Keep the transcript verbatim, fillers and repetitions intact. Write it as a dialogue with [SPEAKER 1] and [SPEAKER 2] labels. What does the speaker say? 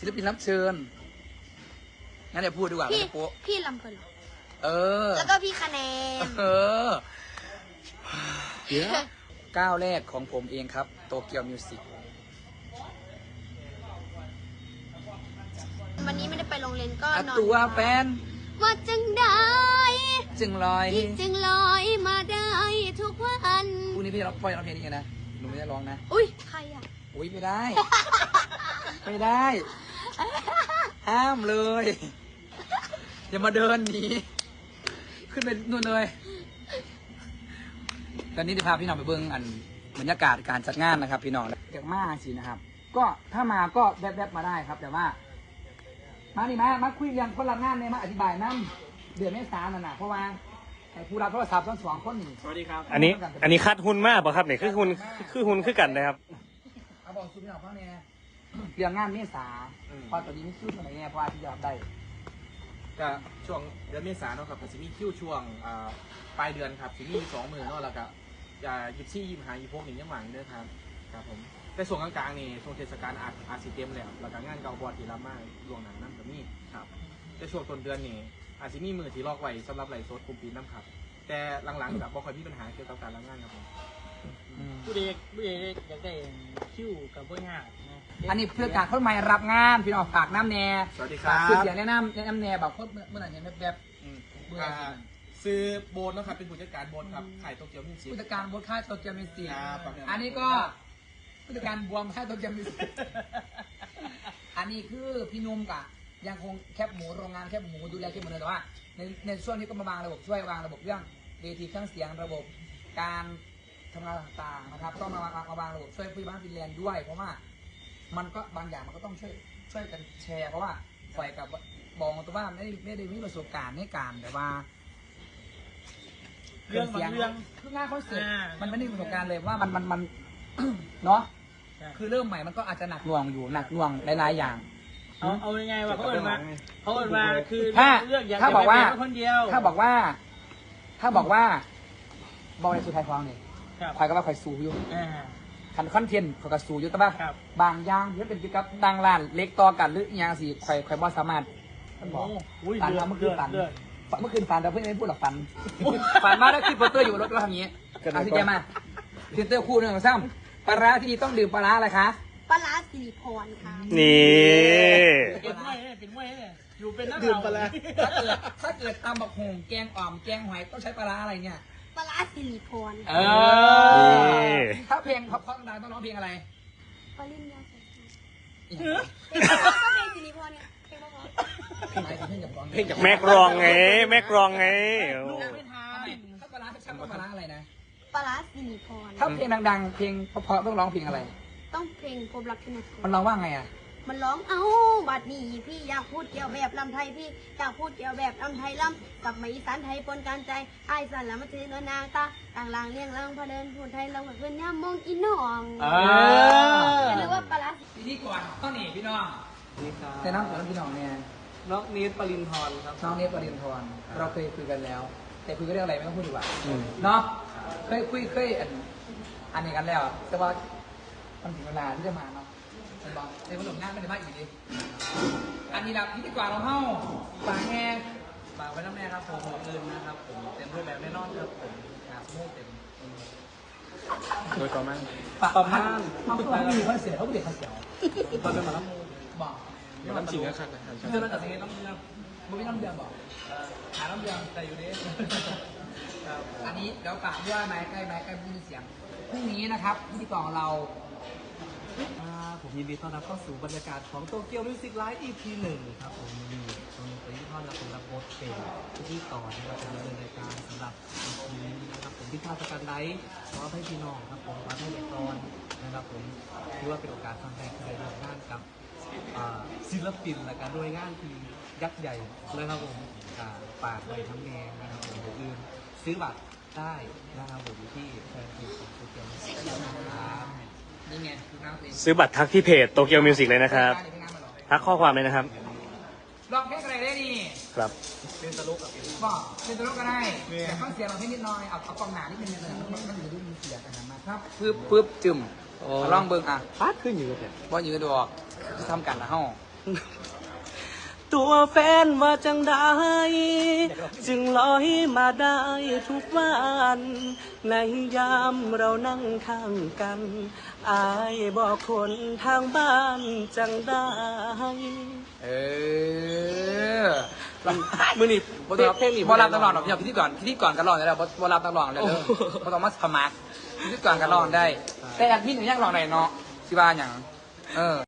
[SPEAKER 1] ศิลปินรับเชิญงั้นเดี๋ยวพูดดีกว่า
[SPEAKER 2] พี่
[SPEAKER 1] เดี๋ยวโป๊ะ
[SPEAKER 2] พี่ลำเพลิน
[SPEAKER 1] เออ
[SPEAKER 2] แล้วก็พี่คะแนน
[SPEAKER 1] เออเดี๋ยวก้าวแรกของผมเองครับโตเกียวมิวสิก
[SPEAKER 2] วันนี้ไม่ได้ไปโรงเรียนก็นอน
[SPEAKER 1] ตัวแฟน
[SPEAKER 2] ว่าจังได้
[SPEAKER 1] จึงลอย
[SPEAKER 2] ที่จึงลอยมาได้ทุกวัน
[SPEAKER 1] พรุ่งนี้พี่จะร้องปล่อยร้องเพลงนี้นะหนูไม่ได้ร้องนะ
[SPEAKER 2] อุ้ยใครอ่ะ
[SPEAKER 1] อุ้ยไม่ได้ ไม่ได้ ห้ามเลย อย่ามาเดินหนีขึ้นไปนู่นเลยตอนนี้จะพาพี่น้องไปเบิ้งอันบรรยากาศการจัดงานนะครับ พี่น้องเด็กมากสินะครับ ก็ถ้ามาก็แวบๆมาได้ครับ แต่ว่า มานี่มามาคุยเรื่องคนรับงานเนี่ยมาอธิบายน้ำเดือนเมษายนน่ะนะเพราะว่าไอ้ผู้รับโทรศัพท์ทั้งสองคนนี่
[SPEAKER 3] สวัสดีครับ
[SPEAKER 4] อันนี้อันนี้คัดหุ้นมากป่ะครับเนี่ยคือหุ้นคือหุ้นคือกันนะครับ
[SPEAKER 1] เอาบอกสุดพี่น้องฟังเนี่ยเรื่องงานเมษาพอตอนนี้ไม่คิวเท่าไหร่เนี่ยเพราะว่าที่จะรับได้
[SPEAKER 3] ก็ช่วงเดือนเมษายนเนาะครับก็จะมีคิวช่วงอ่าปลายเดือนครับจะมีสองหมื่นเนาะแล้วก็จะยิบซี่ยิบหายิบพวกนี้ยังหวังเด้อครับครับผมแต่ส่วนกลางๆนี่ช่วงเทศกาลอาจอาจสิเต็มแล้วแล้วก็งานเก่าบอดที่รับมาลวงหนังน้ำก็มีครับแต่ช่วงต้นเดือนนี่อาจจะมีมือที่ลอกไว้สำหรับไหลฟ์สดกลุ่มปีน้ำครับแต่หลังๆแบบบ่ค่อยมีปัญหาเกี่ยวกับการรับงานครับผม
[SPEAKER 5] ผู้เด็กผู้เด็กอยากได้คิวกับพวกงานนะ
[SPEAKER 1] อันนี้เพื่อการคนใหม่รับงานพี่น้องฝากน้ำแน่
[SPEAKER 3] สวัสดีค
[SPEAKER 1] ฝา
[SPEAKER 3] รั
[SPEAKER 1] ก
[SPEAKER 3] บ
[SPEAKER 1] คือเสียงแนะนำแนะนำแน่แบบโคตรเมื่อไหร่เนี่ยแบบ
[SPEAKER 3] อืม
[SPEAKER 1] เมื่อ
[SPEAKER 3] อ่าซื้อโบนนะครับเป็นผู้จัดการโบนครับขายโตเกียวมิวสิก
[SPEAKER 1] ผู้จัดการบดค่ายโตเกียวมิวสิก
[SPEAKER 3] ครับ
[SPEAKER 1] อันนี้ก็ผู้จัดการบวมค่ายโตเกียวมิวสิกอันนี้คือพี่นุ่มกะยังคงแคบหมูโรงงานแคบหมูดูแลแคบหมูเลยแต่ว่าในในช่วงนี้ก็มาวางระบบช่วยวางระบบเรื่องเวทีเครื่องเสียงระบบการทำงานต่างๆนะครับต้องมาวางมาวางระบบช่วยผู้บ้านฟินแลนด์ด้วยเพราะว่ามันก็บางอย่างมันก็ต้องช่วยช่วยกันแชร์เพราะว่าฝ่ายกับบอกตัวว่าไม่ได้ไม่ได้มีประสบการณ์ในการแต่ว่า
[SPEAKER 5] เรื่องบางเรื่อง
[SPEAKER 1] คืองานคอนเสิร์ต
[SPEAKER 5] อ่ามั
[SPEAKER 1] มันไม่ได้มีประสบการณ์เลยว่ามันมันมัน เนาะ
[SPEAKER 5] ใช่
[SPEAKER 1] คือเริ่มใหม่มันก็อาจจะหนักหน่วงอยู่หนักหน่วงหลายๆอย่าง
[SPEAKER 5] เอาเอายังไงวะเขาเอิญมาเขาเอิญมาคือ
[SPEAKER 1] ถ้า
[SPEAKER 5] เรื่องอยาก
[SPEAKER 1] ถ้า
[SPEAKER 5] จะ
[SPEAKER 1] บอกว่า
[SPEAKER 5] ไปเป็นคนเดียว
[SPEAKER 1] ถ้าบอกว่า ถ้าบอกว่าบอกในสุดท้ายฟังเนี่ย
[SPEAKER 5] ครับ
[SPEAKER 1] คอยก็ว่าคอยสูอยู่
[SPEAKER 5] อ่า
[SPEAKER 1] คันคอนเทนต์คอยก็สูอยู่แต่ว่า
[SPEAKER 5] ครับ
[SPEAKER 1] บางอย่างที่เป็นเกี่ยวกับดังร้านเล็กต่อกันหรืออหย่างสิคอยคอยบอสามารถท่านบอก
[SPEAKER 5] โอ้อุ้ย
[SPEAKER 1] ฝัน
[SPEAKER 5] เลือ
[SPEAKER 1] มา
[SPEAKER 5] ด
[SPEAKER 1] เมื่อคื
[SPEAKER 5] เลื
[SPEAKER 1] น
[SPEAKER 5] อด
[SPEAKER 1] ฝัน
[SPEAKER 5] เลือด
[SPEAKER 1] ฝันเมื่อคืนฝันแต่เพื่อนไม่พูดหรอกฝัน ฝันมาแล้วขึ้นโปสเตอร์อยู่รถก็ทำอย่างนี้เอาที่แกมาพรีเซนเตอร์คู่หนึ่งของซ้ำปลาร้าที่ดีต้องดื่มปลาร้าอะไรคะ
[SPEAKER 2] ปลาร้าสิริพรค่ะ
[SPEAKER 4] นี่
[SPEAKER 5] เป็นมวยเนี่ยเป็นมวยเนี่ยอยู่เป็นนัก
[SPEAKER 3] ดื่มไปแล้ว
[SPEAKER 1] ถ้าเกิดถ้าเกิดตำบักหงแกงอ่อมแกงหอยต้องใช้ปลาร้าอะไรเนี่ย
[SPEAKER 2] ปลาร้าสิริพร
[SPEAKER 1] เอ
[SPEAKER 2] ค่ะ
[SPEAKER 1] อถ้าเพลงเพราะๆดังต้องร้องเพลงอะไร
[SPEAKER 2] ปริญญาใส่ค่ะ
[SPEAKER 1] อีก
[SPEAKER 2] ก็เพลงสิริพรเนี่ยเพลงเพราะ
[SPEAKER 1] เพลงอะไรเพลงจากร้อง
[SPEAKER 3] เพลงจาก
[SPEAKER 4] แม็กรองไงแม็กรองไงโอ้
[SPEAKER 5] ลูกไม่ทาน
[SPEAKER 1] ถ้าปลาร้าช่างต้องปลาร้าอะไรนะ
[SPEAKER 2] ๆปลาร้าสิริพร
[SPEAKER 1] ถ้าเพลงดังๆ เพลงเพราะๆต้องร้องเพลงอะไร
[SPEAKER 2] ต้องเพลงพบรักที่ไหน
[SPEAKER 1] มันร้องว่าไงอ่ะ
[SPEAKER 2] มันร้องเอ้าบัดนี้พี่อยากพูดเกี่ยวแบบลำไทยพี่อยากพูดเกี่ยวแบบลำไทยลำกับมาอีสานไทยปนกันใจไอ้ายสันละมาถือนนางตาต่างลางเลี้ยงเลิงพอเดินพูดไทยลงกับเพื่อนย่ามองอีน้อง
[SPEAKER 1] เอ
[SPEAKER 2] อย่าลืมว่าปลาร้า
[SPEAKER 1] ทีนี้ก่อนต้นนี่พี่น้อง
[SPEAKER 3] นี่ครับ
[SPEAKER 1] แต่น้องก่อนพี่น้องเนี่ย
[SPEAKER 3] น้องนิดปรินทร์ครับ
[SPEAKER 1] น้องเนตปรินทร์เราเคยคุยกันแล้ว แต่คุยกันเรื่องอะไรไม่ต้องพูดดีกว่าเนาะเคยคุยเคยอันอันนี้กันแล้ว แต่ว่ามันถึงเวลาที่จะมาเนาะมันบอกในวันหลงงานไม่ได้มาอีกดิอันนี้ละพิธีกรเราเฮ้าฝากแง่
[SPEAKER 3] ฝากไว้น้ำแน่ครับผมหัวเงินนะครับผมเต็มด้วยแบบแน่นอนครับผมหาสมุดเต็มโดยประมาณ
[SPEAKER 1] ฝากประมาณเขาเขาไม่มีคอนเสิร์ตเขาไม่เด็กคอนเสิร์ต
[SPEAKER 3] ตอนเป็นหมาล้ำมู
[SPEAKER 1] บอก
[SPEAKER 3] เดี๋ยวน้ำจริงนะครับ
[SPEAKER 1] เพื่อนมันตัดสินใจต้องเลือกมันไม่ต้องเดือนบอกหาต้องเดือนแต่อยู่ดิอันนี้เดี๋ยวฝากด้วยไม้ใกล้ไม้ใกล้พูดเสียงพรุ่งนี้นะครับพิธีกรของเรา
[SPEAKER 6] ผมยินดีต้อนรับเข้าสู่บรรยากาศของโตเกียวมิวสิกไลฟ์ อี พี หนึ่งครับผมมีตรงนี้ไปที่ท่อนและผมรับบทเป็นพิธีกรนะครับเป็นดำเนินรายการสำหรับ อี พี นี้นะครับผมพิธาสกันไลฟ์ขอให้พี่น้องครับผมขอให้เด็กตอนนะครับผมถือว่าเป็นโอกาสครั้งแรกที่ได้ร่วมงานกับอ่าศิลปินและการด้วยงานที่ยักษ์ใหญ่นะครับผมอ่าปากไว้ทั้งแงนะครับผมอย่าลืมซื้อบัตรได้นะครับผมที่แฟนเพจของโตเกียวมิวสิกครับ
[SPEAKER 1] นี่ไงคือน้ำเพลง
[SPEAKER 4] ซื้อบัตรทักที่เพจโตเกียวมิวสิกเลยนะครับทักข้อความเลยนะครับ
[SPEAKER 1] ลองเพลงอะไรได้นี่
[SPEAKER 4] ครับ
[SPEAKER 3] เป็นตลกกับเป็น
[SPEAKER 1] บอกเป็นตัวโลกก็ได้แต่ฟังเสียงเราให้นิดหน่อยเอาเอากองหนานิดนึงเลยมันมันอยู่ด้วยมีเสียงกันนะมาครับปึ๊บปึ๊บจึมลองเบิ่งอ่ะ
[SPEAKER 3] ฟาดขึ้นอยู่กับเนี่ย
[SPEAKER 1] บอลยืนดอกทำกันนะห้อง
[SPEAKER 6] ตัวแฟนว่าจังได้จึงลอยมาได้ทุกวัน ในยามเรานั่งข้างกัน อายบอกคนทางบ้านจังได้
[SPEAKER 1] เออ
[SPEAKER 6] มือนี่
[SPEAKER 1] บอรับ
[SPEAKER 6] เพลงนี่
[SPEAKER 1] บอรับตลอดหรอกพี่พิธีกรพิธีกรกันร้องได้แล้วบอรับตลอดเลยเด้อ
[SPEAKER 6] โอ้
[SPEAKER 1] บอต้องมาสมัครพิธีกรกันร้องได้ แต่อันพี่หนูยังร้องได้เนาะสิบ้าอย่างเออ